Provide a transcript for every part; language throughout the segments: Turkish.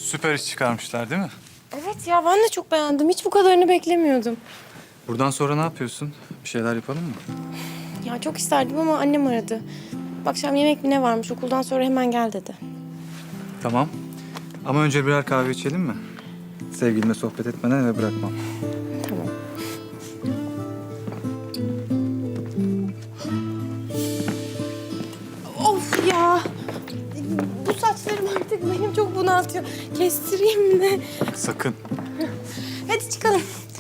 Süper iş çıkarmışlar değil mi? Evet ya ben de çok beğendim. Hiç bu kadarını beklemiyordum. Buradan sonra ne yapıyorsun? Bir şeyler yapalım mı? Ya çok isterdim ama annem aradı. Akşam yemek mi ne varmış okuldan sonra hemen gel dedi. Tamam. Ama önce birer kahve içelim mi? Sevgilimle sohbet etmeden eve bırakmam. Tamam. Of ya. Bu saçlarım artık benim çok bunaltıyor. Kestireyim mi ne? Sakın. Hadi çıkalım.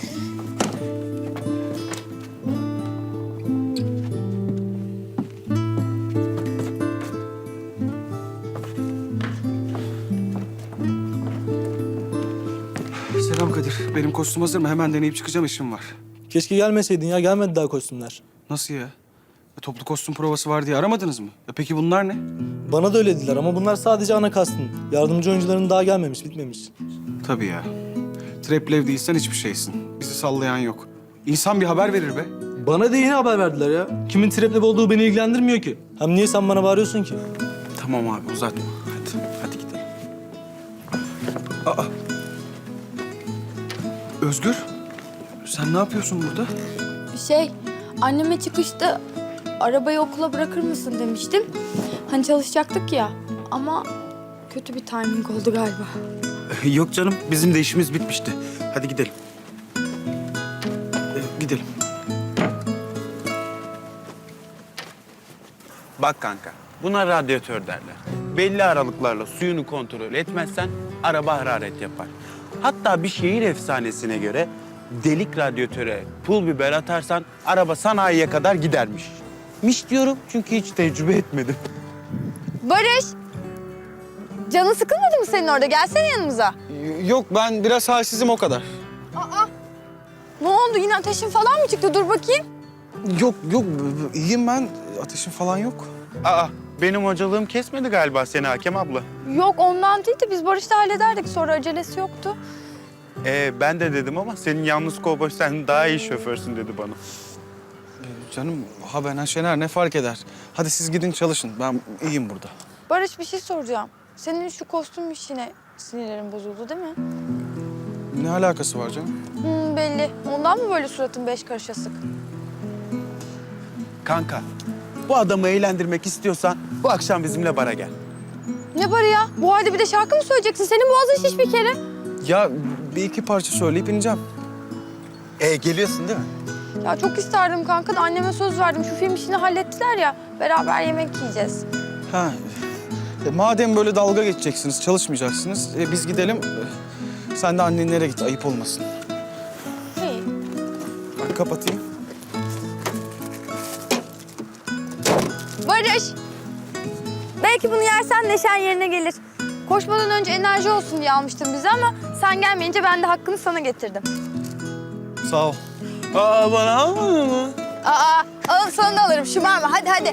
Selam Kadir. Benim kostüm hazır mı? Hemen deneyip çıkacağım, işim var. Keşke gelmeseydin ya. Gelmedi daha kostümler. Nasıl ya? Toplu kostüm provası var diye aramadınız mı? Peki bunlar ne? Bana da öyle dediler ama bunlar sadece ana kastın. Yardımcı oyuncuların daha gelmemiş, bitmemiş. Tabii ya. Traplev değilsen hiçbir şeysin. Bizi sallayan yok. İnsan bir haber verir be. Bana da yeni haber verdiler ya. Kimin trap'le olduğu beni ilgilendirmiyor ki. Hem niye sen bana bağırıyorsun ki? Tamam abi, uzatma. Hadi gidelim. Aa! Özgür, sen ne yapıyorsun burada? Anneme çıkışta arabayı okula bırakır mısın demiştim. Hani çalışacaktık ya ama kötü bir timing oldu galiba. Yok canım, bizim de işimiz bitmişti. Hadi gidelim. Gidelim. Bak kanka, buna radyatör derler. Belli aralıklarla suyunu kontrol etmezsen araba hararet yapar. Hatta bir şehir efsanesine göre delik radyatöre pul biber atarsan araba sanayiye kadar gidermiş. Miş diyorum çünkü hiç tecrübe etmedim. Barış! Canın sıkılmadı mı senin orada? Gelsene yanımıza. Yok, ben biraz halsizim o kadar. Ne oldu? Yine ateşin falan mı çıktı? Dur bakayım. Yok, iyiyim ben. Ateşim falan yok. Aa, benim hocalığım kesmedi galiba seni Hakem abla. Yok ondan değil de biz Barış'la hallederdik. Sonra acelesi yoktu. Ben de dedim ama senin yalnız kovboy sen daha iyi şoförsün dedi bana. Canım, ha ben ha Şener, ne fark eder? Hadi siz gidin çalışın. Ben iyiyim burada. Barış bir şey soracağım. Senin şu kostüm işine sinirlerin bozuldu değil mi? Ne alakası var canım? Belli. Ondan mı böyle suratın 5 karış asık? Kanka, bu adamı eğlendirmek istiyorsan bu akşam bizimle bara gel. Ne barı ya? Bu halde bir de şarkı mı söyleyeceksin? Senin boğazın şiş bir kere. Ya bir iki parça söyleyip ineceğim. Geliyorsun değil mi? Ya çok isterdim kanka da anneme söz verdim. Şu film işini hallettiler ya. Beraber yemek yiyeceğiz. Ha. Madem böyle dalga geçeceksiniz, çalışmayacaksınız, biz gidelim. Sen de annenlere git, ayıp olmasın. İyi. Ben kapatayım. Barış! Belki bunu yersen neşen yerine gelir. Koşmadan önce enerji olsun diye almıştım bizi ama sen gelmeyince ben de hakkını sana getirdim. Sağ ol. Aa, bana almadın mı? Alın sana da alırım. Şımarma. Hadi.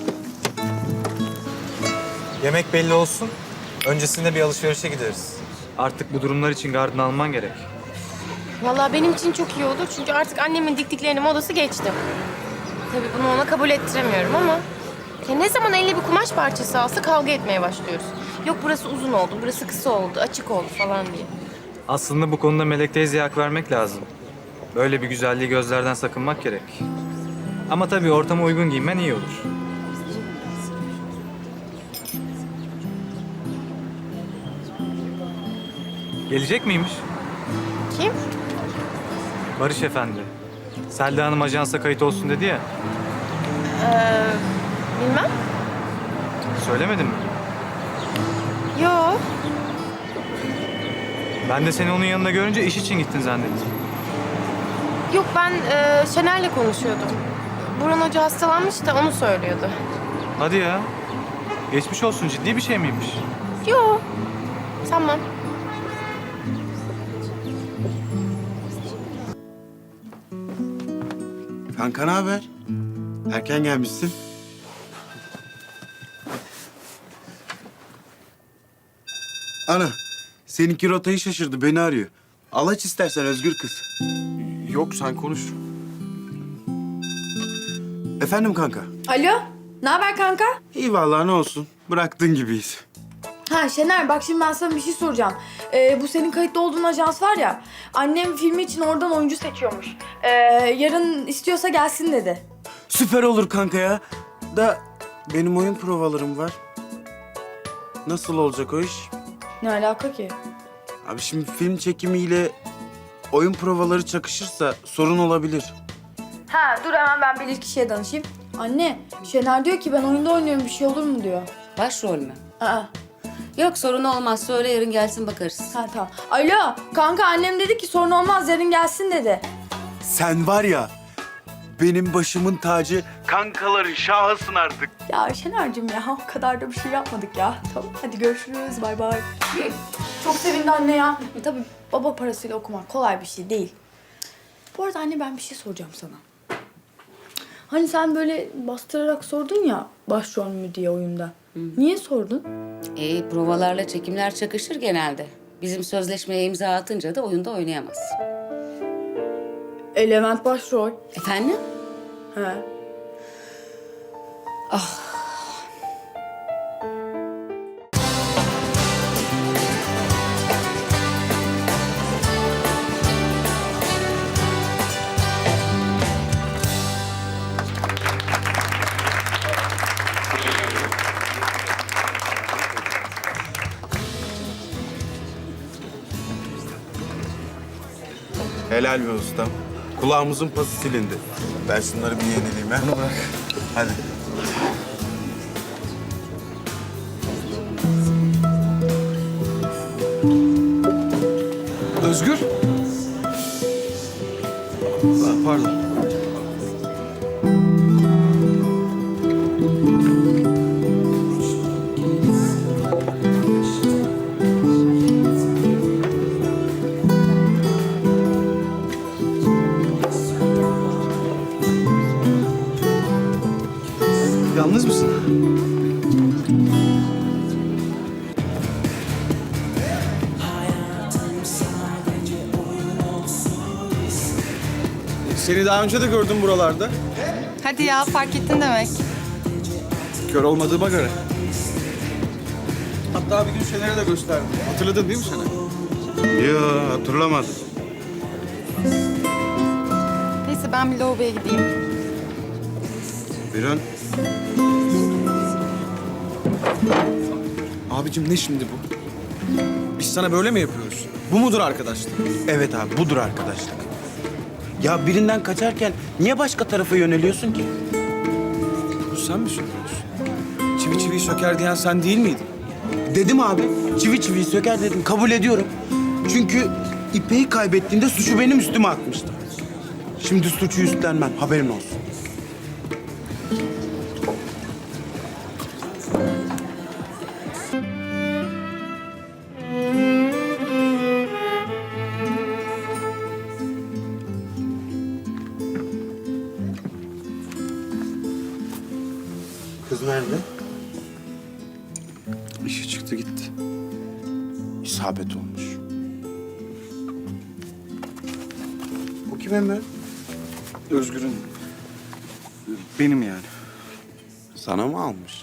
Yemek belli olsun. Öncesinde bir alışverişe gideriz. Artık bu durumlar için gardını alman gerek. Vallahi benim için çok iyi olur çünkü artık annemin diktiklerinin modası geçti. Tabii bunu ona kabul ettiremiyorum ama... Ya ne zaman eline bir kumaş parçası alsa kavga etmeye başlıyoruz. Yok burası uzun oldu, burası kısa oldu, açık oldu falan diye. Aslında bu konuda Melek teyzeye hak vermek lazım. Böyle bir güzelliği gözlerden sakınmak gerek. Ama tabii ortama uygun giyinmen iyi olur. Gelecek miymiş? Kim? Barış Efendi. Selda Hanım ajansa kayıt olsun dedi ya. Bilmem. Söylemedim mi? Yo. Ben de seni onun yanında görünce iş için gittin zannettim. Yok ben Şener'le konuşuyordum. Burhan Hoca hastalanmış da onu söylüyordu. Hadi ya. Geçmiş olsun, ciddi bir şey miymiş? Yo. Tamam. Kanka ne haber? Erken gelmişsin. Ana, seninki rotayı şaşırdı, beni arıyor. Al aç istersen Özgür kız. Yok, sen konuş. Efendim kanka? Alo. Ne haber kanka? İyi vallahi ne olsun. Bıraktığın gibiyiz. Ha Şener bak şimdi ben sana bir şey soracağım. Bu senin kayıtlı olduğun ajans var ya. Annem filmi için oradan oyuncu seçiyormuş. Yarın istiyorsa gelsin dedi. Süper olur kanka ya. Da benim oyun provalarım var. Nasıl olacak o iş? Ne alaka ki? Abi şimdi film çekimiyle oyun provaları çakışırsa sorun olabilir. Ha dur hemen ben bilir kişiye danışayım. Anne Şener diyor ki ben oyunda oynuyorum bir şey olur mu diyor. Başrol mü? Aa. Yok sorun olmaz. Söyle yarın gelsin bakarız. Ha tamam. Alo kanka annem dedi ki sorun olmaz yarın gelsin dedi. Sen var ya benim başımın tacı, kankaların şahısın artık. Ya Şener'cim ya o kadar da bir şey yapmadık ya. Tamam hadi görüşürüz bay bay. Çok sevindi anne ya. Tabii baba parasıyla okumak kolay bir şey değil. Bu arada anne ben bir şey soracağım sana. Hani sen böyle bastırarak sordun ya başrol mü diye oyunda. Niye sordun? Provalarla çekimler çakışır genelde. Bizim sözleşmeye imza atınca da oyunda oynayamaz. Levent başrol. Efendim? He. Helal be ustam. Kulağımızın pası silindi. Ben şunları bir yenileyim ha. Bunu bırak. Hadi. Özgür. Pardon. Yalnız mısın? Seni daha önce de gördüm buralarda. Hadi ya fark ettin demek. Kör olmadığıma göre. Hatta bir gün Şener'e de gösterdim. Hatırladın değil mi Şener? Yo, hatırlamadım. Neyse ben bir lavaboya gideyim. Bir an Abicim ne şimdi bu? Biz sana böyle mi yapıyoruz? Bu mudur arkadaşlık? evet abi budur arkadaşlık. Ya birinden kaçarken niye başka tarafa yöneliyorsun ki? Bu sen mi söylüyorsun? Çivi çiviyi söker diyen sen değil miydin? Dedim abi. Çivi çiviyi söker dedim. Kabul ediyorum. Çünkü İpek'i kaybettiğinde suçu benim üstüme atmıştı. Şimdi suçu üstlenmem. Haberin olsun. Kız nerede? İşi çıktı gitti. İsabet olmuş. Bu kim Emre? Özgür'ün. Benim yani. Sana mı almış?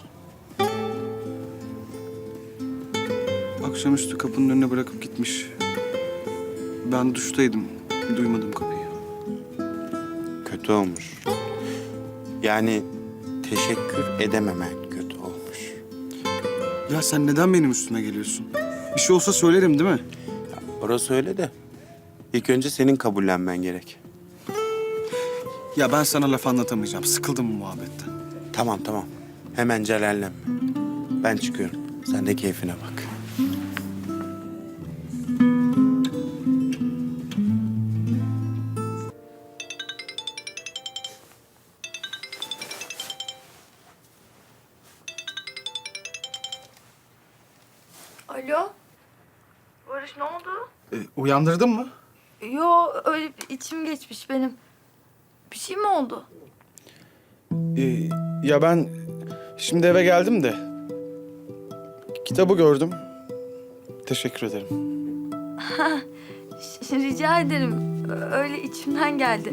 Akşamüstü kapının önüne bırakıp gitmiş. Ben duştaydım. Duymadım kapıyı. Kötü olmuş. Yani teşekkür edememen kötü olmuş. Ya sen neden benim üstüme geliyorsun? Bir şey olsa söylerim değil mi? Orası öyle de. İlk önce senin kabullenmen gerek. Ya ben sana laf anlatamayacağım. Sıkıldım bu muhabbetten. Tamam tamam. Hemen celallenme. Ben çıkıyorum. Sen de keyfine bak. Alo. Barış ne oldu? Uyandırdın mı? Yo öyle bir içim geçmiş benim. Bir şey mi oldu? Ya ben şimdi eve geldim de kitabı gördüm. Teşekkür ederim. Rica ederim. Öyle içimden geldi.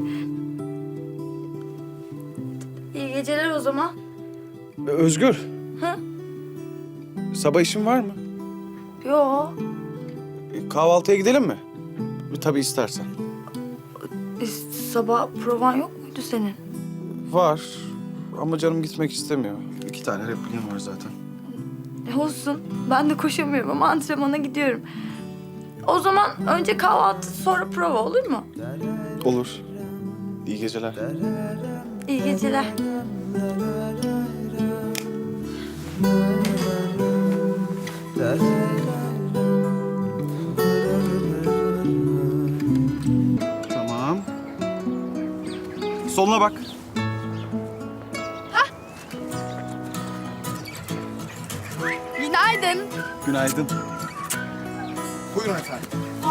İyi geceler o zaman. Özgür. Hı? Sabah işin var mı? Yo. Kahvaltıya gidelim mi? Tabii istersen. Sabah provan yok muydu senin? Var ama canım gitmek istemiyor. 2 tane repliğim var zaten. Olsun. Ben de koşamıyorum ama antrenmana gidiyorum. O zaman önce kahvaltı sonra prova olur mu? Olur. İyi geceler. İyi geceler. Tamam. Soluna bak. Günaydın. Günaydın. Buyurun efendim.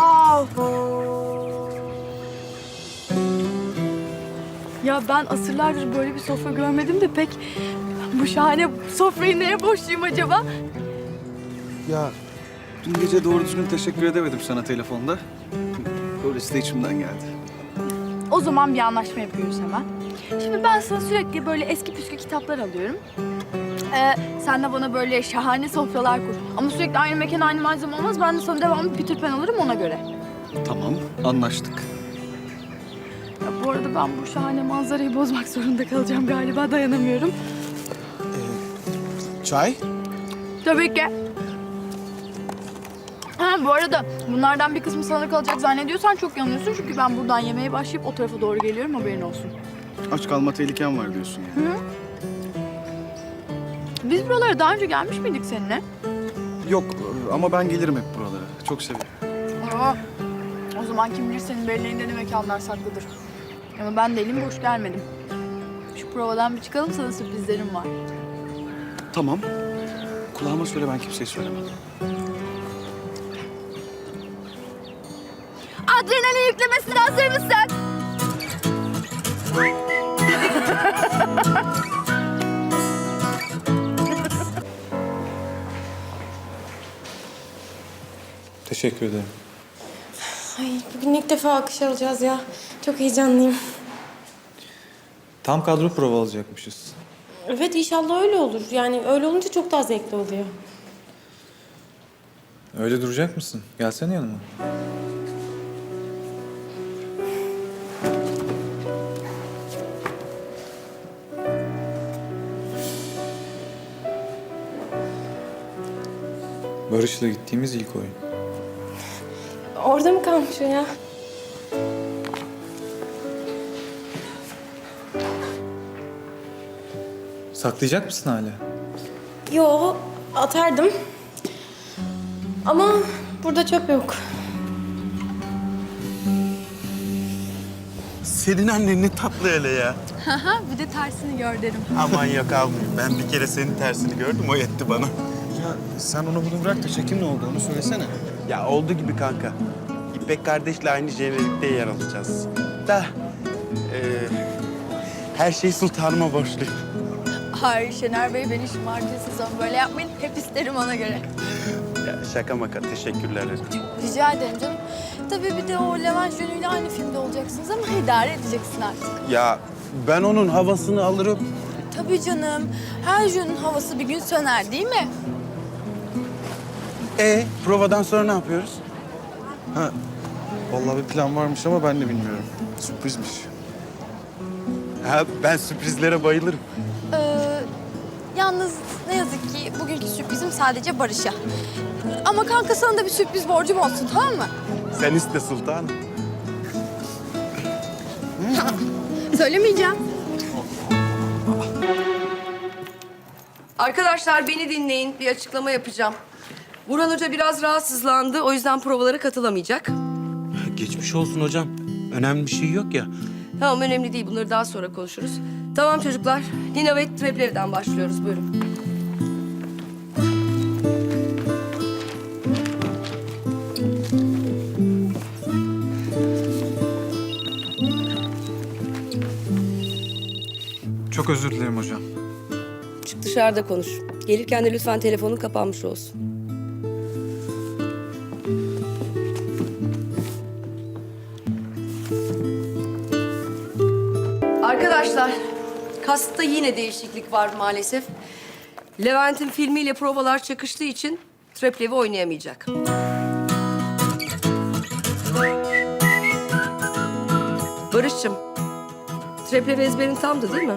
Ya ben asırlardır böyle bir sofra görmedim de pek bu şahane sofrayı neye borçluyum acaba? Ya dün gece doğru düzgün teşekkür edemedim sana telefonda. Böylesi de içimden geldi. O zaman bir anlaşma yapıyoruz hemen. Şimdi ben sana sürekli böyle eski püskü kitaplar alıyorum. Sen de bana böyle şahane sofralar kur. Ama sürekli aynı mekan, aynı malzeme olmaz. Ben de sana devamlı Peter Pan alırım ona göre. Tamam, anlaştık. Ya bu arada ben bu şahane manzarayı bozmak zorunda kalacağım galiba. Dayanamıyorum. Çay? Tabii ki. Ha bu arada bunlardan bir kısmı sana kalacak zannediyorsan çok yanılıyorsun. Çünkü ben buradan yemeğe başlayıp o tarafa doğru geliyorum, haberin olsun. Aç kalma tehlikem var diyorsun yani. Biz buralara daha önce gelmiş miydik seninle? Yok ama ben gelirim hep buralara. Çok seviyorum. Aa, o zaman kim bilir senin belleğinde ne mekanlar saklıdır. Ama ben de elim boş gelmedim. Şu provadan bir çıkalım, sana sürprizlerim var. Tamam. Kulağıma söyle, ben kimseye söylemem. Adrenalin yüklemesine hazır mısın? Teşekkür ederim. Ay bugün ilk defa alkış alacağız ya. Çok heyecanlıyım. Tam kadro prova alacakmışız. Evet inşallah öyle olur. Yani öyle olunca çok daha zevkli oluyor. Öyle duracak mısın? Gelsene yanıma. Barış'la gittiğimiz ilk oyun. Orada mı kalmış o ya? Saklayacak mısın hala? Yo atardım. Ama burada çöp yok. Senin annen ne tatlı hele ya. Bir de tersini gör derim. Aman yok almayayım. Ben bir kere senin tersini gördüm, o yetti bana. Ya sen onu bunu bırak da çekim ne oldu onu söylesene. Ya oldu gibi kanka. İpek kardeşle aynı jenerikte yer alacağız. Da her şey sultanıma borçluyum. Ay Şener Bey beni şımartıyorsunuz ama böyle yapmayın. Hep isterim ona göre. Ya şaka maka, teşekkürler. Rica ederim canım. Tabii bir de o Levent Jönü'yle aynı filmde olacaksınız ama idare edeceksin artık. Ya ben onun havasını alırım. Tabii canım. Her Jön'ün havası bir gün söner değil mi? Provadan sonra ne yapıyoruz? Ha, vallahi bir plan varmış ama ben de bilmiyorum. Sürprizmiş. Ha, ben sürprizlere bayılırım. Yalnız ne yazık ki bugünkü sürprizim sadece Barış'a. Ama kanka sana da bir sürpriz borcum olsun, tamam mı? Sen iste sultanım. Söylemeyeceğim. Arkadaşlar beni dinleyin. Bir açıklama yapacağım. Burhan Hoca biraz rahatsızlandı. O yüzden provalara katılamayacak. Geçmiş olsun hocam. Önemli bir şey yok ya. Tamam önemli değil. Bunları daha sonra konuşuruz. Tamam çocuklar. Nina ve Treplev'den başlıyoruz. Buyurun. Çok özür dilerim hocam. Çık dışarıda konuş. Gelirken de lütfen telefonun kapanmış olsun. Arkadaşlar, kastta yine değişiklik var maalesef. Levent'in filmiyle provalar çakıştığı için Treplev'i oynayamayacak. Barış'cığım, trepleri ezberin tamdı değil mi?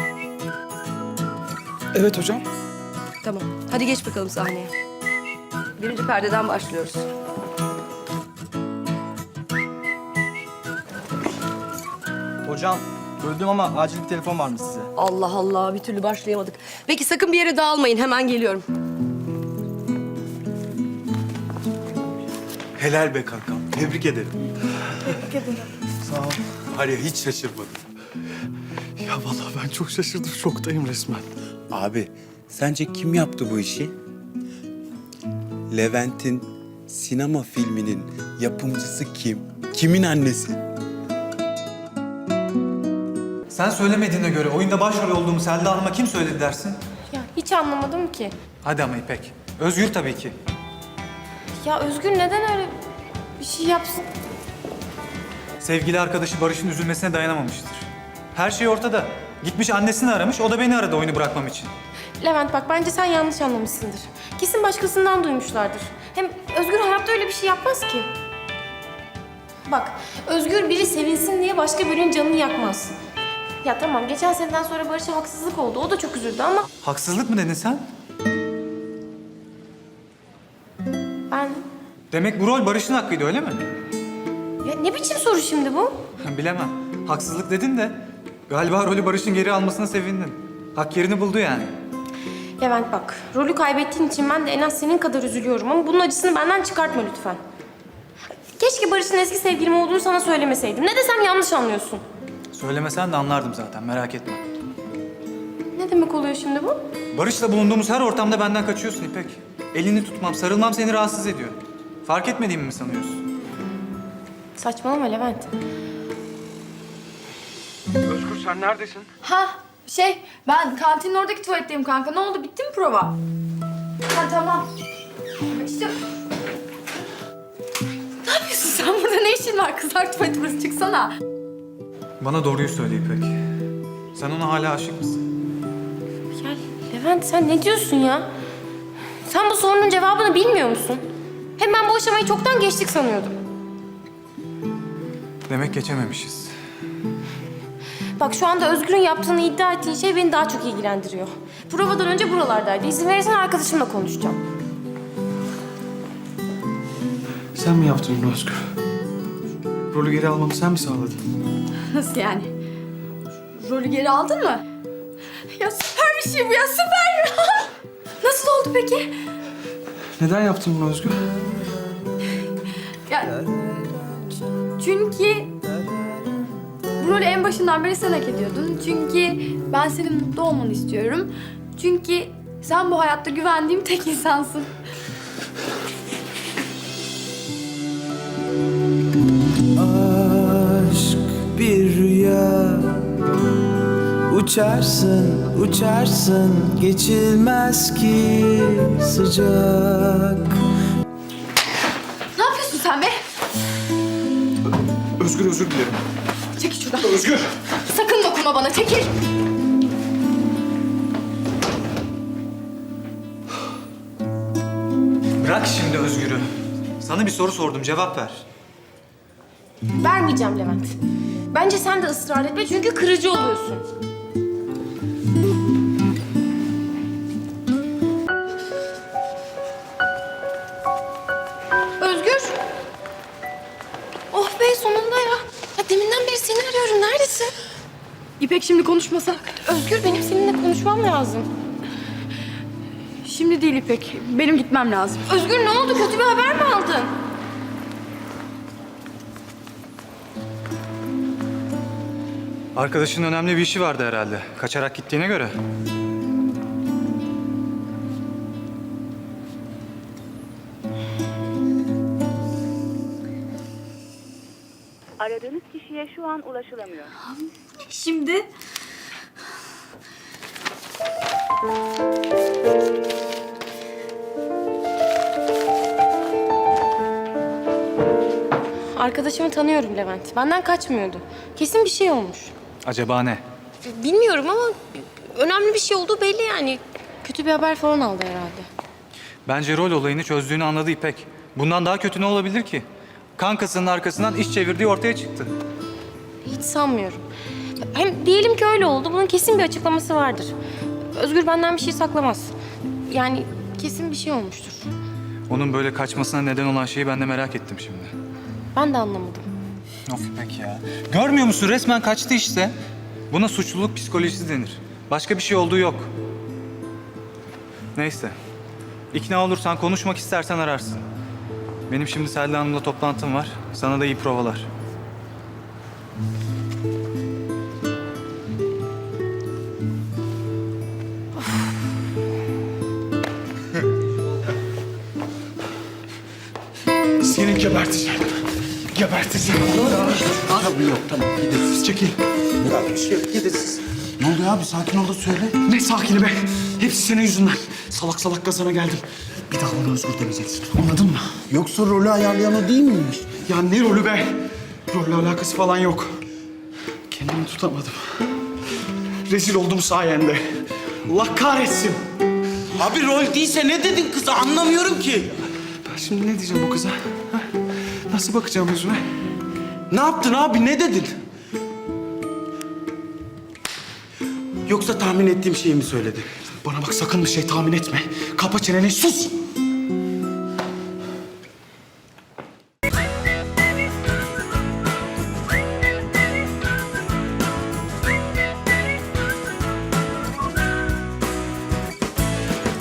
Evet hocam. Tamam. Hadi geç bakalım sahneye. Birinci perdeden başlıyoruz. Hocam öldüm ama acil bir telefon var mı size? Allah Allah, bir türlü başlayamadık. Peki sakın bir yere dağılmayın, hemen geliyorum. Helal be kankam. Tebrik ederim. Sağ ol. Var ya hiç şaşırmadım. Ya vallahi ben çok şaşırdım. Şoktayım resmen. Abi sence kim yaptı bu işi? Levent'in sinema filminin yapımcısı kim? Kimin annesi? Sen söylemediğine göre oyunda başrol olduğumu Selda Hanım'a kim söyledi dersin? Ya hiç anlamadım ki. Hadi ama İpek. Özgür tabii ki. Ya Özgür neden öyle bir şey yapsın? Sevgili arkadaşı Barış'ın üzülmesine dayanamamıştır. Her şey ortada. Gitmiş annesini aramış, o da beni aradı oyunu bırakmam için. Levent bak bence sen yanlış anlamışsındır. Kesin başkasından duymuşlardır. Hem Özgür hayatta öyle bir şey yapmaz ki. Bak Özgür biri sevinsin diye başka birinin canını yakmaz. Ya tamam geçen seneden sonra Barış'a haksızlık oldu. O da çok üzüldü ama Haksızlık mı dedin sen? ben... Demek bu rol Barış'ın hakkıydı öyle mi? Ya ne biçim soru şimdi bu? Bilemem. Haksızlık dedin de galiba rolü Barış'ın geri almasına sevindin. Hak yerini buldu yani. Levent bak rolü kaybettiğin için ben de en az senin kadar üzülüyorum ama bunun acısını benden çıkartma lütfen. Keşke Barış'ın eski sevgilim olduğunu sana söylemeseydim. Ne desem yanlış anlıyorsun. Söylemesen de anlardım zaten, merak etme. Ne demek oluyor şimdi bu? Barış'la bulunduğumuz her ortamda benden kaçıyorsun İpek. Elini tutmam, sarılmam seni rahatsız ediyor. Fark etmediğimi mi sanıyorsun? Saçmalama Levent. Özgür sen neredesin? Ha ben kantinin oradaki tuvaletteyim kanka. Ne oldu, bitti mi prova? Ha tamam. İşte... Ne yapıyorsun sen burada, ne işin var? Kızlar tuvaleti burası, çıksana. Bana doğruyu söyle İpek. Sen ona hala aşık mısın? Ya Levent sen ne diyorsun ya? Sen bu sorunun cevabını bilmiyor musun? Hem ben bu aşamayı çoktan geçtik sanıyordum. Demek geçememişiz. Bak şu anda Özgür'ün yaptığını iddia ettiğin şey beni daha çok ilgilendiriyor. Provadan önce buralardaydı. İzin verirsen arkadaşımla konuşacağım. Sen mi yaptın bunu Özgür? Rolü geri almamı sen mi sağladın? Nasıl yani? Rolü geri aldın mı? Ya süper bir şey bu ya, süper! Nasıl oldu peki? Neden yaptın bunu Özgür? Ya çünkü bu rolü en başından beri sen hak ediyordun. Çünkü ben senin mutlu olmanı istiyorum. Çünkü sen bu hayatta güvendiğim tek insansın. Aşk bir rüya, uçarsın uçarsın, geçilmez ki sıcak. Ne yapıyorsun sen be? Özgür özür dilerim. Çekil şuradan. Özgür! Sakın dokunma bana, çekil. Bırak şimdi Özgür'ü. Sana bir soru sordum, cevap ver. Vermeyeceğim Levent. Bence sen de ısrar etme çünkü kırıcı oluyorsun. Özgür. Oh be sonunda ya. Ya deminden beri seni arıyorum. Neredesin? İpek şimdi konuşmasak. Özgür benim seninle konuşmam lazım. Şimdi değil İpek. Benim gitmem lazım. Özgür ne oldu? Kötü bir haber mi aldın? Arkadaşının önemli bir işi vardı herhalde. Kaçarak gittiğine göre. Aradığınız kişiye şu an ulaşılamıyor. Şimdi... Arkadaşımı tanıyorum Levent. Benden kaçmıyordu. Kesin bir şey olmuş. Acaba ne? Bilmiyorum ama önemli bir şey olduğu belli yani. Kötü bir haber falan aldı herhalde. Bence rol olayını çözdüğünü anladı İpek. Bundan daha kötü ne olabilir ki? Kankasının arkasından iş çevirdiği ortaya çıktı. Hiç sanmıyorum. Hem diyelim ki öyle oldu. Bunun kesin bir açıklaması vardır. Özgür benden bir şey saklamaz. Yani kesin bir şey olmuştur. Onun böyle kaçmasına neden olan şeyi ben de merak ettim şimdi. Ben de anlamadım. Of İpek ya. Görmüyor musun? Resmen kaçtı işte. Buna suçluluk psikolojisi denir. Başka bir şey olduğu yok. Neyse. İkna olursan, konuşmak istersen ararsın. Benim şimdi Selda Hanım'la toplantım var. Sana da iyi provalar. Seni geberteceğim. Geberteceğim. Abi yok tamam gideriz. Çekil. Ya bir şey yok gideriz. Ne oluyor abi sakin ol da söyle. Ne sakini be? Hepsi senin yüzünden. Salak salak gazana geldim. Bir daha bana Özgür demeyeceksin. Anladın mı? Yoksa rolü ayarlayan o değil miymiş? Ya ne rolü be? Rolle alakası falan yok. Kendimi tutamadım. Rezil oldum sayende. Allah kahretsin. Abi rol değilse ne dedin kıza anlamıyorum ki. Ben şimdi ne diyeceğim bu kıza? Ha? Nasıl bakacağım yüzüne? Ne yaptın abi ne dedin? Yoksa tahmin ettiğim şeyi mi söyledin? Bana bak sakın bir şey tahmin etme. Kapa çeneni sus.